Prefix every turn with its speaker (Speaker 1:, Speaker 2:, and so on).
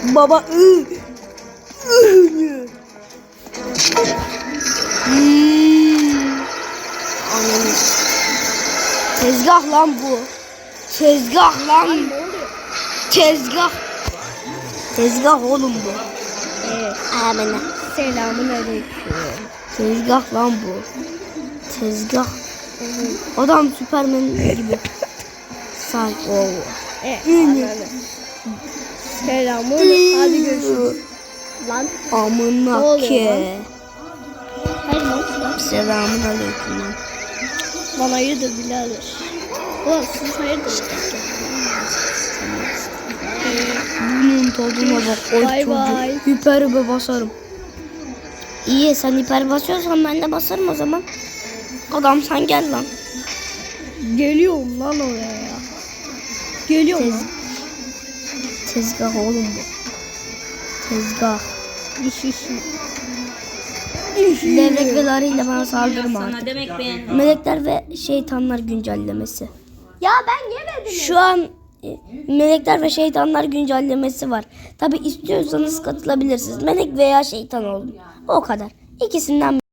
Speaker 1: Baba Ananı. Tezgah lan bu. Tezgah lan. Tezgah. Tezgah oğlum bu.
Speaker 2: Evet.
Speaker 1: Amına.
Speaker 2: Selamun aleyküm.
Speaker 1: Tezgah lan bu. Tezgah. Adam Süpermen gibi. Say.
Speaker 2: Anladım. Selamun. Hadi görüşürüz. Lan.
Speaker 1: Amına
Speaker 2: Ne
Speaker 1: ke.
Speaker 2: Hayır lan.
Speaker 1: Selamun aleyküm lan.
Speaker 2: Lan hayırdır birader. Ulan siz hayırdır.
Speaker 1: Bunun tadına bak. Oy
Speaker 2: Bay
Speaker 1: çocuğu.
Speaker 2: bay.
Speaker 1: Hiper basarım. İyi sen hiper basıyorsan ben de basarım o zaman. Adam sen gel lan.
Speaker 2: Geliyorum lan oraya ya. Geliyorum lan.
Speaker 1: Tezgah oğlum bu. Tezgah. Levrek ve larıyla bana saldırma artık.
Speaker 3: Demek beğendim.
Speaker 1: Melekler ve şeytanlar güncellemesi.
Speaker 2: Ya ben yemedim.
Speaker 1: Şu an melekler ve şeytanlar güncellemesi var. Tabi istiyorsanız katılabilirsiniz. Melek veya şeytan olun. O kadar. İkisinden